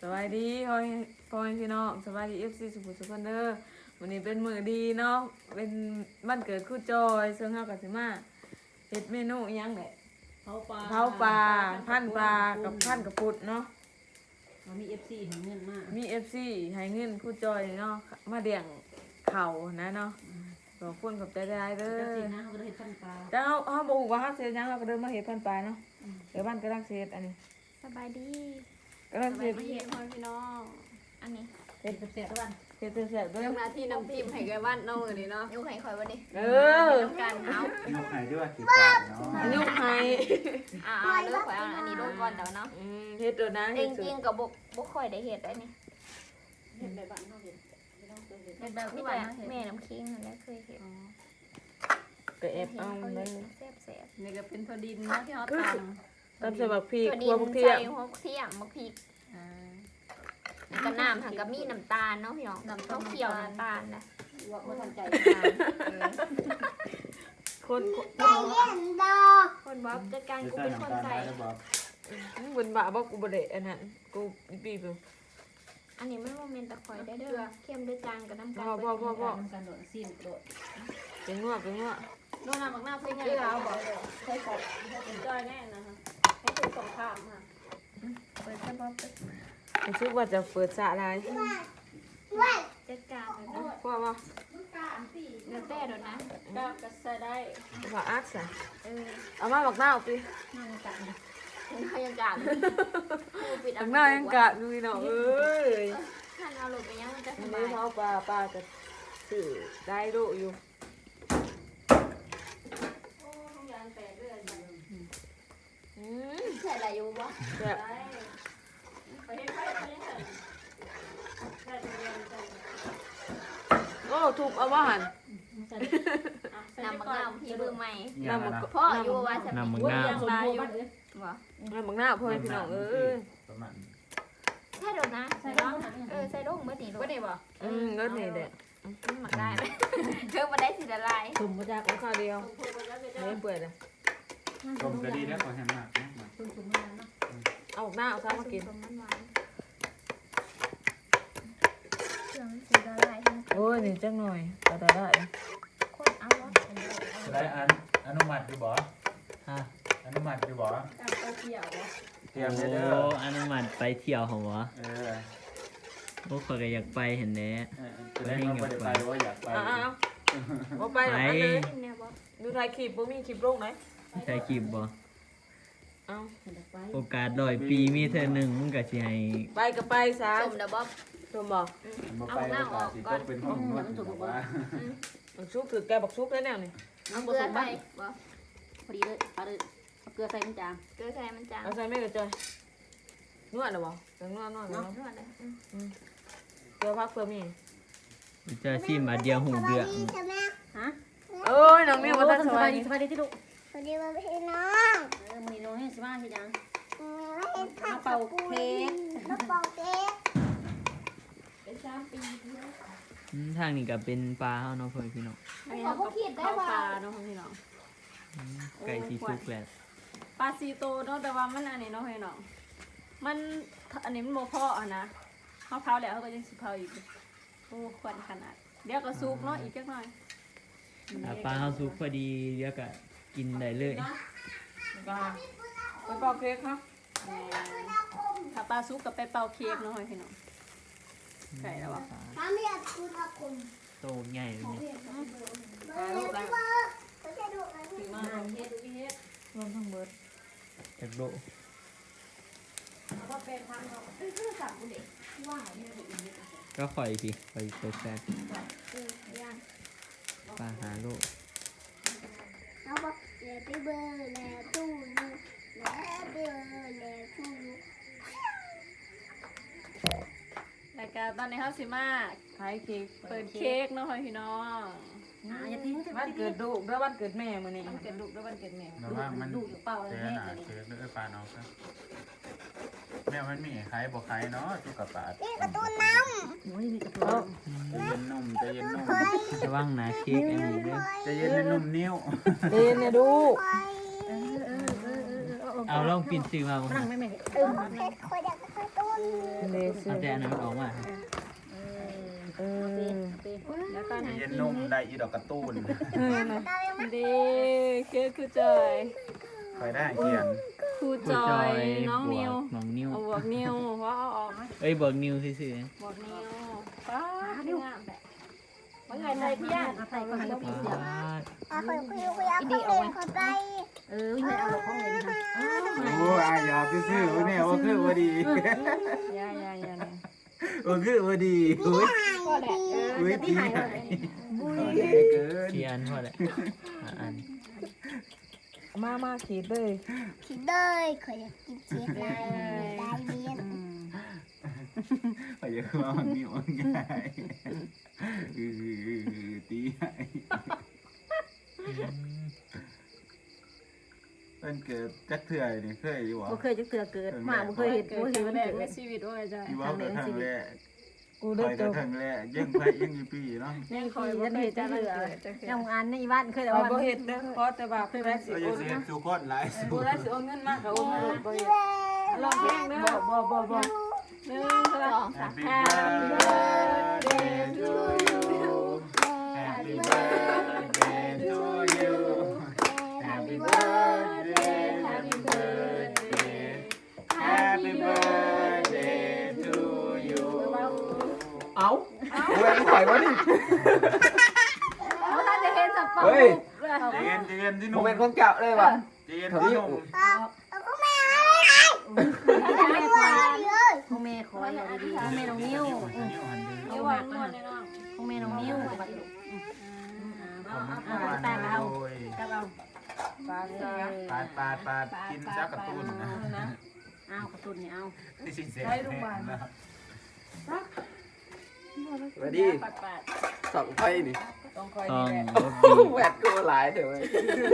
สวัสดีพ่อพี่น้องสวัสดีFCสุขุมสุขคนเด้อวันนี้เป็นมื้อดีเนาะเป็นวันเกิดครูจอยซึ่งเฮาก็สิมาเฮ็ดเมนูอีหยังแหละเผาปลาพันปลากับพันกระปุดเนาะมี FC ให้เงินมากมี FC ให้เงินครูจอยเนาะมาเลี้ยงข้าวนะเนาะขอบคุณขอบใจหลายๆเด้อจังซี่นะเฮาก็ได้เฮ็ดพันปลาแต่เฮาบ่ฮู้ว่าเฮาสิเฮ็ดหยังเราก็เดินมาเฮ็ดพันปลาเนาะเดี๋ยวบ้านกำลังสิเฮ็ดอันนี้สบายดีกำลังสิมาเห็นพ่อพี่น้องอันนี้เฮ็ดแซ่บๆทุกวันเฮ็ดแซ่บๆเด้อเรื่องหน้าที่น้ำจิ้มให้แกบ้านน้องเลยนี่เนาะยกให้คอยวันนี้เออต้องการเอายกไข่ด้วยกี่บาทเนาะอันนี้ให้เลือกข่อยเอาอันนี้ลงก่อนเดี๋ยวเนาะเฮ็ดโดนนะจเฮ็ดริงๆกับบกข่อยได้เห็ดได้นี่เฮ็ดแบบบ้านเฮาเฮ็ดไม่ต้องเคยเฮ็ดเห็ดแบบที่ว่าแม่น้ำคิงนั่นแหละเคยเห็ดก็แอบเอาเลยแซ่บนี่ก็เป็นถั่วดินเนาะที่เฮาตำตำใส่บักพริๆกตัวคดิรัวน พริกเทียใส่มหัวเทียมมะพริกแล้วก็น้ำหันกับมีน้ำตาลเนาะพี่น้องข้าวเขียวน้ำตาลนะว่าบ่ทันใจคนคนบ๊อบจัดการจะกูใส่เป็นคนน้ำตาลใส่ได้บอกบนบะบอกกูบ่ได้อันนั้นกูปีบอันนี้มันโมเมนต์ตะคอยได้เด้อเข้มด้วยจางกับน้ำพ่ตาอลพ่อพ่อพ่อทำการโดดซีนโดดเป็นงัวเป็นงัวโดนน้ำบักหน้าเพิ่นใหญ่เอาบ่ใส่กบเป็นจ้อยแน่นะคะให้คือสงครามค่ะเปิดกระบอกรู้สึกว่าจะเปิดสระลายจัดการเลยนะพ่อว่าเนื้อแต่เดี๋ยวนะก็ใส่ได้ว่าอัดซะเเอามาบักหน้าเอาสิน้ำกันเขายังกาดปิดบักหน้ายังกะดูพี่น้องเอ้ยท่านเอาหลุดไปยังมันจะสอันบานี้ยเฮาปลาก็ซื้อได้ดุอยู่อืมใส่อะไรอยู่วะแบบไปเฮ็ดไปเฮ็ดใส่เรียนใส่โอ้ทุบเอาว่าหันนำมะนาวพี่เบอร์ใหม่อย่างนะพ่ออยู่ว่าจะนำมึงวุ้นหน้ายางลายอยู่วะเอาบักหน้าพ่อให้พี่น้องเอ้ยประมาณใช่โดนนะใส่ดงใส่ดงเมื่อนี่บ่ได้บ่ก็นี่แหละหมักได้เลยเธอมาได้สิละลายสุ่มบ่จักเอาข้าวเดียวไม่เปื่อยเลยต้มก็ดีแล้วขอแฮมมากนะสุ่มมาเนาะเอาบักหน้าเอาซ้ำมากินมันหวานเครื่องสีละลายโอ้ยนี่จังหน่อยก็ได้คนเอาวะจะได้อนุมัติอยู่บ่ฮะอนุมัติอยู่บ่การไปเที่ยวบ่เตรียมโอ้เด้ออนุมัติไปเที่ยวเหรอวะเออโอ้ข้อยก็อยากไปเห็นแหน่จะได้มาไปว่าอยากไปเอาไปหรอกเลยเนี่ยบอดูถ่ายคลิปบ่มีคลิปลงไหนใช่คลิปบ่เอาไปโอกาส100 ปีมีเธอหนึ่งมึงก็สิให้ไปก็ไปซะสมเดบอบชมบอกมาไปโอกาสสิก็เป็นห้องนวดบอกว่าบักชุกถือแกบักชุกได้แนวนี่เอาเกลือใส่บอพอดีเลยเอาเลยเอาเกลือใส่มันจางเกลือใส่มันจางเอาใส่ไม่กระจอยนวดหรอบ่จังนวดเนาะนวดเลยเกลือพักเพื่อมีจะชิมบาดเดียวหูเดือดฮะเอ้ยน้องมิวมาตั้งสบายดีสบายดีที่ลูกสวัสดีพี่น้องมื้อนี้น้องให้สิมาเฮ็ดหยังไม่เห็นผัมาก เป่าเค้กมาเป่าเค้กเป็น3 ปีทางนี้ก็เป็นปลาเฮาเนาะเพิ่นพี่น้องอันนี้เราก็เข้าปลาเนาะพี่น้องไก่สิสุกแล้วปลาซีโตเนาะแต่ว่ามันอันนี้เนาะพี่น้องมันอันนี้มันบ่พออ่ะนะเฮาเผาแล้วเฮาก็ยังสิเผาอีกโอ้ควันขนาดเดี๋ยวก็สุกเนาะอีกจักหน่อยถ้าปลาเฮาสุกพอดีเดี๋ยวก็กินได้เลยไปเป่าเค้กครับถ้าปลาสุกก็ไปเป่าเค้กเนาะพี่น้องไก่แล้วอ่ะทำให้คุณอาคุณโตใหญ่เลยเนี่ยลูกไม่ใช่ลูกนะถือมาเฮ็ดเฮ็ดรวมทั้งเบิดจักโดก็เป็นทางเขาคือสั่งกูเด็กว่าเนี่ยบ่อีกก็ข่อยพี่ข่อยไปแซ่บย่างปลาหาโลเอาบอกแล้วไปเบอร์แล้วตู้ลูกแล้วเบอร์แล้วตู้ลูกรายการตอนนี้เฮาสิมาขายเค้กเปิดเค้กเนาะพี่น้องอย่าทิ้งวันเกิดลูกด้วยวันเกิดแม่มื้อนี้มันเกิดลูกด้วยวันเกิดแม่แต่ว่ามันลูกอยู่เปล่าเจแม่อหนาเจอเลือดปลาน้องครับแม่มันมีใครบอกใครเนาะจุกกระปาดนี่การ์ตูนน้โอ้ยมีกระเอาจะเย็นนุ่มจะเย็นนุ่มระวังนะเค้กอันนี้เด้อจะเย็นนุ่มนิ้วเดนเนี่ยดูำไปเอาลองปิ่นซื้อมาบ่นั่งไม่แม่เพชรคนอยากการ์ตูนเลเซอเอาร์แต่อันนั้นมันออกมาเออแล้วก็ไหนเย็นนุ่มได้อีดอกกระตูนดีคือครูจอยคอยได้เขียนครูผู้จจออย ยน้องบนิววกน้องนิ้วเอาบวกนิวว่าเอาออกไหมเอ้ยบวกนิ้วซื่อบวกนิวป้านิวงามแบบว่าไงเลยพี่ย่าเอาไปก็ให้ๆพี่ปาเสือดไม่เอาหรอกของเล่นค่ะโอ้ยอยากซื้อๆเนี่ยว่าคือว่าดีย่าเนี่ยว่าคือว่าดีอุ้ยก็แหละอุ้ยจะพี่หายเลยเกินกี่อันพอแหละอันมาขีดเลยคิดเลยเคยอยากกินเค้กได้เรียนไปเยอะมากนี่มันง่ายตีเป็นเกิดจักเถื่อยนี่เคยอยู่วะบ่เคยจะเตือเกิดมาบ่เคยเห็นเกิบ่ดเห็นครั้มันงแรกเกิดในชีวิตว่าไงที่ว่าเกิดทางแรกกูคได้อยเจเกิอดทางแรกยังไปยังอยู่ปีเนาะยังคคออย ยว่าจะเคเห็ยนจะจะเหเหลืลืออยังอันในบ้านเคยแต่เอาว่าบ่เฮ็ดเด้อเพราะแต่ว่าผู้ได้สิก็โอยังนเสียนะสุขคนหลายสุผู้ดได้สิโอนเงินมากก็โอนมาเลยบ่เฮ็ดลองเพลงเด้อบ่หนึ่งสอง Happy birthday to you Happy birthday to you Happy birthday Happy birthday Happy birthday to you เอาเว้ยปล่อยวะนี่เพราะท่านจะเห็นสับปะเฮ้ยใจเย็นที่ผนุ่มมเป็นคนเก่าเลยว่ะใจเย็นที่นุ่มของแม่ขออย่าดีๆของแม่น้องนิ้วนิ้ววางนวดเลยเนาะของแม่น้องนิ้วตาเอากับเอาปลาซาปาดกินซักกระตุ้นนะเอากระตุ้นนี่เอาที่สิเสียสวัสดีปัดสองไฟนี่ต้องคอยต้องนี่แหละรบดีแหวดกูหลายเดี๋ยวเว้ย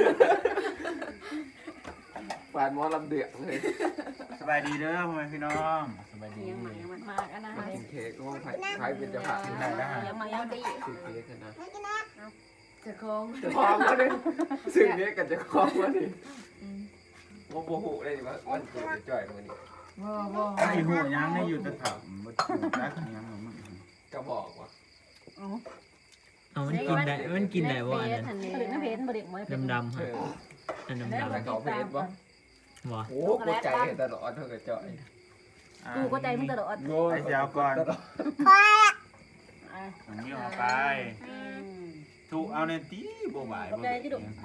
ฝานหมอลำเดือดเลยสบายดีเด้อพ่อแม่พี่น้องสบายดียังมันมากอันนะกินเค้กห้องไฟเป็นเจะผ่ากินได้ได้ยังมายังดีสื่อเค้กกันนะจะคล้องจะคล้องวะนี่สื่อเค้กกันจะคล้องวะนี่โมโหหูเลยว่าวันเกิดจะจ่อยมันนี่บ่ไอ้หัวยังไม่อยู่แต่ถามว่ารักยังมึงก็บอกว่าเอามันกินได้มันกินได้บ่อันนั้นตื่นน้ำเพชรบ่เด็กบ่ได้ดำๆเอฮะออันแล้วดำเขาเพจบ่ๆบ่โอ้กดใจตลอดเท่ากับจ่อยกูก็ใจมึงตลอดโง่ไอ้เจ้าก่อนตลอดผมมีออกไปถูกเอาในตีบ่บ่ายบ่จะเกิดปี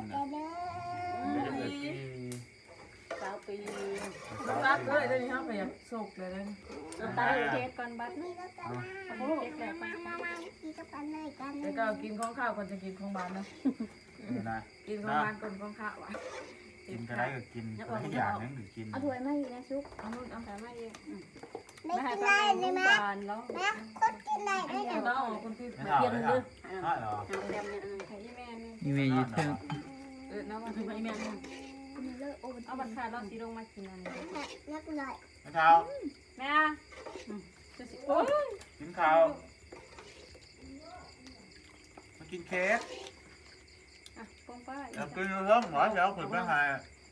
9 ปีรักเลยเดี๋ยวนี้เฮาก็อยากสุกเลยนะตาเค้กก่อนบัดนี้โอ้เค้กแหลกไปแล้วก็กินของข้าวก่อนจะกินของบ้านนะนะกินของบ้านก่อนของข้าวอ่ะกินก็ได้ก็กินทุกอย่างนั่นหรือกินเอาถ้วยมาอีกนะซุปเอานู่นเอาแต่ไม่เองไม่ไม่ให้กินป้าได้แม่เลยไหมบานแล้วแม่คนกินได้ได้เอาไงเอาคนที่ไม่เอาเลยใช่หรอให้แม่นี่แม่อยู่เทิงน้ำมันให้แม่เลิกโอ้เอาบัตรขาดเราสีลงมากินอันนี้นักหน่อยไม่เท้าแม่จะสิโอ้ยกินข้าวมากินเค้กอ่ะป้องป้าแล้วกินเรื่องหมอเช้าขึ้นไปหา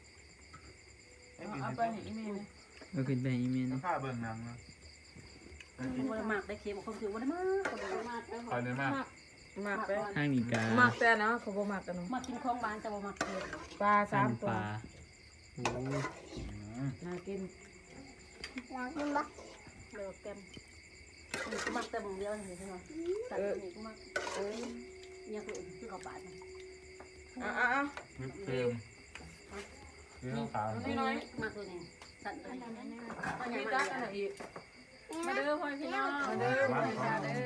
เอาไปให้อีเมลนะก็ขึ้นไปอีเมลข้าเบิ่งนังนะบ่ได้มากได้เค็มคนคือบ่ได้มากคนมากคอยเลยมากหมักไปทางนี้กาหมักแต่นะเขาบ่หมักกันเนาะมากินของบ้านจะบ่มักเค็มปลาทาง 3 ตัปวลาโอ้น่ากินอยากกินบ่เลิกเต็มกูมักแต่บ่เดียวนี่ใช่มั้ยสัตว์นี่กูมักเนี่ยคือเขาบาดอ่ะวิปครีมนี่ขาวน้อยมักตัวนี้สัตว์ตัวนี้ก็ๆยัมีงจัมากอันไหนอีกมาเด้อพ่อพี่น้องมาเด้อมาเด้อ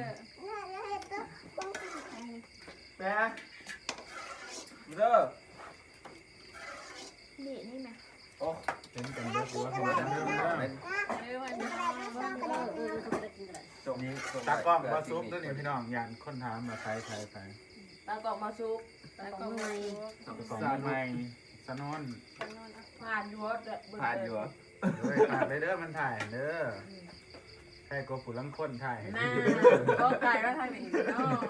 แม่เด้อนี่นี่แม่โอ้เป็นกันเยอะกูว่าหัวจะเริ่มเป็นเด้อพ่อพี่น้องกูได้กินกันจงนี่ตากล้องมาซุปตัวนี้พี่น้องยันคนถามมาใครตากอกมาซุปแต่ของในของใหม่สนนผ่านอยู่ว่าผ่านอยู่เหรอเลยถ่ายเลยเด้อมันถ่ายเด้อใครก็ผู้ลังคนถ่ายน่าก็ไก่ก็ทางนี้เนาะ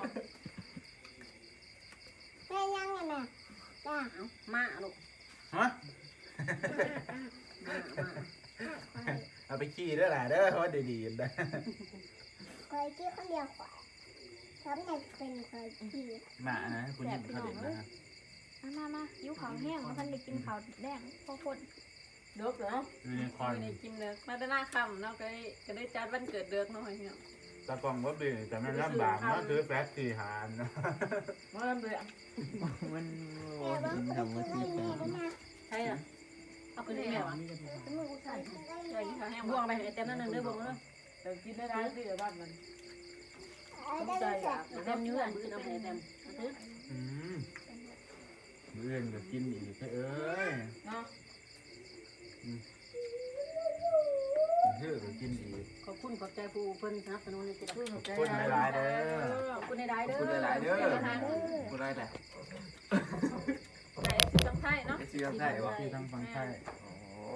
แม่ยังไงแม่จ้ามาลูกฮะมาเอาไปขี่เด้อล่ะเด้อว่าดีๆนะคอยที่คนเดียวขวาทำให้เป็นคอยที่หมานะคุณยิงเขาเด็ดนะครับมายิ้วขาวแห้งมันได้กินขาวแดงพอคนเด็กเนาะยูนิคอร์ไม่นได้กินเด็กมาแต่หน้าค่ำเนาะก็ได้จัดวันเกิดเด็กเนาะพี่น้องตะกองว่าบีแต่มันลำบากเนาะซื้อแฟตสี่หานเนาะมาเริ่มเลยมันแต่ว่ากินคนทำมาที่ที่ไม่ตามีนะใช่เหรอเอาไปเลยแม่วะมือใส่ใช่ข้าวแห้งบ่วงไปไอ้เต็มนั่นนึงเด้อบ่วงเด้อแต่กินได้ได้ที่บ้านมันได้แสบเต็มยืนมือเอาไปเต็มอืมเรื่องก็กินอีกเอ้ยเนาะเชื่อก็กินอีกขอบคุณขอบใจผู้เพิ่นสนับสนุนในกิจกรรมขอบคุณหลายๆเด้อขอบคุณในได้เด้อคุณหลายๆเด้อคุณได้แหละในสิสังไทยเนาะไอ้ชื่อได้บ่ที่ทั้งฟังไทยโอ้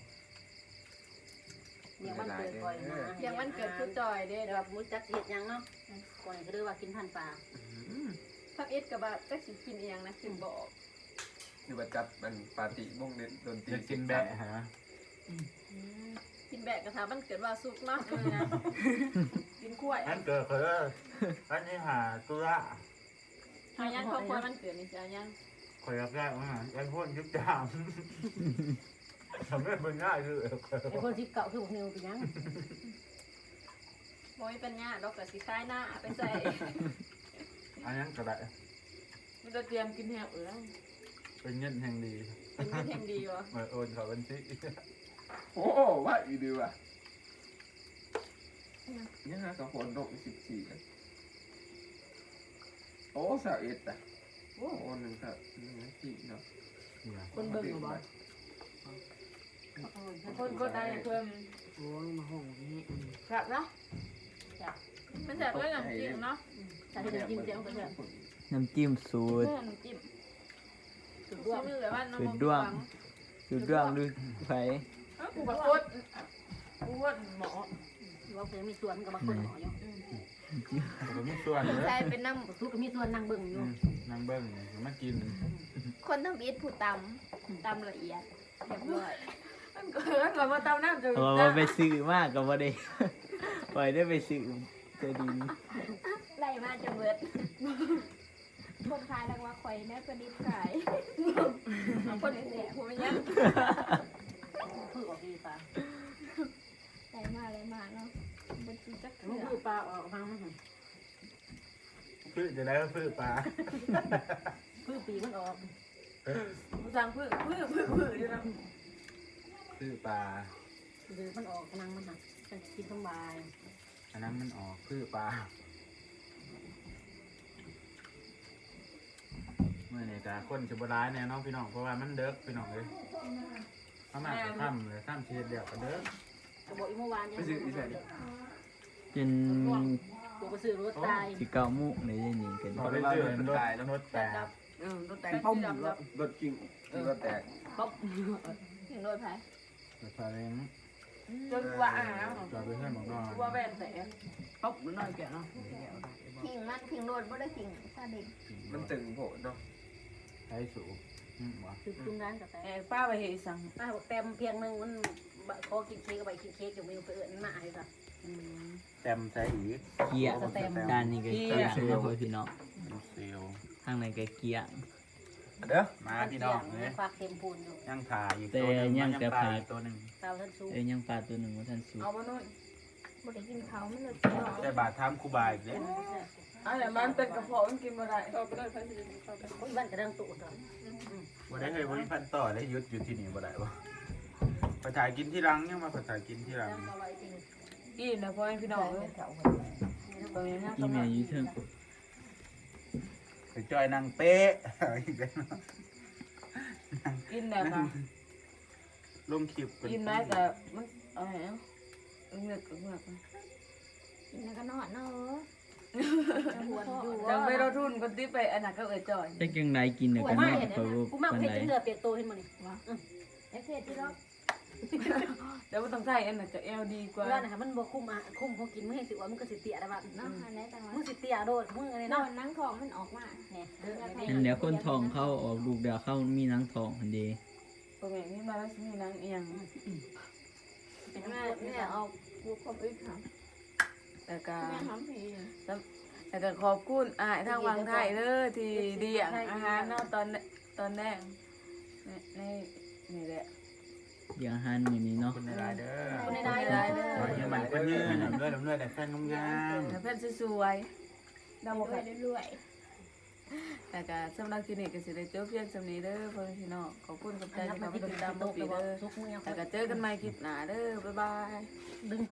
ยังวันเกิดก่อยนะยังวันเกิดคือจอยเด้แบบมื้อจักเฮ็ดยังเนาะก่อยก็เด้อว่ากินพันปลาทับเอ็ดกับว่าจักสิกินอีหยังนะสิบอกคือว่าจัดมันปาร์ตี้วงดนตรีจะกินแบะฮะกินแบกกระทามันเกิดว่าสุกเนาะกินกล้วยอันเกิดคืออันนี้หาตุระหายังครอบครัวมันเกิดนี่จ้ายังคอยแรกๆว่าไอ้พวกยุบจามทำให้มันง่ายคือไอ้คนที่เก่าคือพวกนิวเป็นยังบ่มีปัญญาดอกก็สิคายหน้าไปใส่อันนั้นก็ได้มันจะเตรียมกินแหบเออเป็นเงินแห่งดีเป็นแห่งดีวะเหมือนโอนเขาบัญชีโอ้ว่าอีดีว่ะยังหากับคนโดก14กันโอ้สาวเอ็ดอ่ะโอ้หนึ่งครับที่เนาะคนเบิ่งบ่คนก็ได้เพิ่มโอ้ยมาห้องนี้ครับเนาะมันแซ่บด้วยน้ำจิ้มเนาะแต่ที่จิ้มเจียวก็แซ่บน้ำจิ้มสูตรน้ำจิ้มสุดด้วยมือแบบว่าน้ำสูตรด้วงดูไผกูกับโคตรกูว่าหมอว่าเพิ่นมีส่วนกับมาคนหมออยู่ผมมีส่วนเลยใช่เป็นน้ทุกก็มีส่วนนั่งเบิ่งอยู่นั่งเบิ้งมากินำคนทำอิฐผู้ตำละเอียดเรียบร้อยมันเกิดก่อนมาตามน้ำจะเพราะว่าไปซื้อมากก็บ่ได้ ปล่อยได้ไปซื้อจะดีได้มาจะเบิดคนขายแล้วว่าข่อยแม่ประดิษฐ์ขายคนเสียหัวยังพืชออกดีป่ะได้มาเนาะเป็นสีจักมันเถื่อพืชปลาออกมาไม่เห็นพืชจะได้ก็พืชปลาพืชปีมันออกกูสั่งพืชอยู่นะพืชปลาหรือมันออกกำลังมันหักจะกินสบายอันนั้นมันออกพืชปลาเมื่อนี่กาคนจะบร้ายแน่น้องพี่น้องเพราะว่ามันเด็กพี่น้องเลยเขามาจะข้ามเลยข้ามเชียร์เดียวกันเด้อกระบอกอีเมื่อวานเนี่ยไปซื้อที่ไหนดิเป็นกูไปซื้อรถตายสิเก่ามุกในนี่กันพอได้เจอรถรถแต่รถแต่งป้อมรถกิ้งรถแตกป๊อบถึงโดยไผรถซาเล้งจนว่าอ่ะจอดไปเพื่อนบอกนอนว่าแบนแต่ป๊อปน้อยแกเนาะทิ้งโดนบ่ได้ทิ้งซาเด็กมันตึงโผล่เนาะใช้สูบวะคือตุ้งร้านกับแต่ป้าไปเฮสั่งเต็มเพียงนึงมันขอกินเค้กกับใบกินเค้กอยู่ไม่ไปเอื้อนมาไอ้สัสเต็มใส่อีกเกียร์ด้านนี้ก็เกียร์นะพ่อพี่น้องเซียวทางไหนก็เกียร์เด้อมาพี่น้องเลยฝากเต็มปูนอยู่ยังถ่ายอีกตัวหนึ่งยังปลาอีกตัวหนึ่งเตาท่านสูงยังปลาตัวหนึ่งว่าท่านสูเอามาหน่อยบ่ได้กินเขามันเลยแต่บาททำคูบาอีกเลยอะไรมันเป็นกระเพาะมันกินมาได้บ้านกระดังตุ่นต่อบ่ได้เคยบริพันธ์ต่อได้ยุดอยู่ที่นี่บ่ได้บ่ภาษากินที่รังยังมาภาษากินที่รังเอาไว้จริงกินนะพ่อพี่น้องเลยตรงนี้นะอีเมลอยู่เทิงไปจอยนางเป๊ะอีกแล้วกินแบบค่ะลงคลิปกินได้แต่มันอะไรเนาะเงือกเงือกกินแล้วก็นอนเนาะหัวอยู่จังไปเราทุนคนที่ไปอันนั้นก็เอ่ยจ่อยแต่ยังไงกินเนี่ยกันนอนเขากูมาคนเผ็ดไหนเลือดเปียกตัวเห็นมันนี่ไอ้เพชรที่เราเดี๋ยวต้องใส่อันนั้นจะเอลดีกว่าเวลานะคะมันบ่คุ้มคุ้มเขากินมึงเห็นสิว่ามึงก็สิเตี้ยได้บ้างเนาะอันไหนต่างมึงสิเตี้ยโดดมึงอะไรนอเนาะนนั่งทองมันออกมาเนี่ยเด้อนั่นแหละคนทองเข้าออกลูกเดียวเข้ามีหนังทองอันเดีตรงนี้มีมาแล้วมีนางเอียงเป็นแม่น้ำกรดแม่เนี่ยเอาลูกความอึดค่ะแต่ก็แม่ทำผีแต่ก็ขอบคุณอ้ายทางวังไทยเด้อที่เลี้ยงอาหารเนาะตอนแรกในนี่แหละเดี๋ยวอาหารมื้อนี้เนาะคุณในรายเด้อคนในได้ได้เลเด้ยอขอให้มันคนยืนด้วยลำด้วยแต่แฟนงามให้เพิ่นสวยๆดาวบ่รวค่ะยรวยแต่ก็สำหรับคลินิกก็สิได้จบเพียงสำนี้เด้อพ่อแม่พี่น้องขอบคุณกับใจที่เข้ามาติดตามมาปีเด้อแต่ก็เจอกันใหม่คลิปหน้าเด้อบ๊ายบาย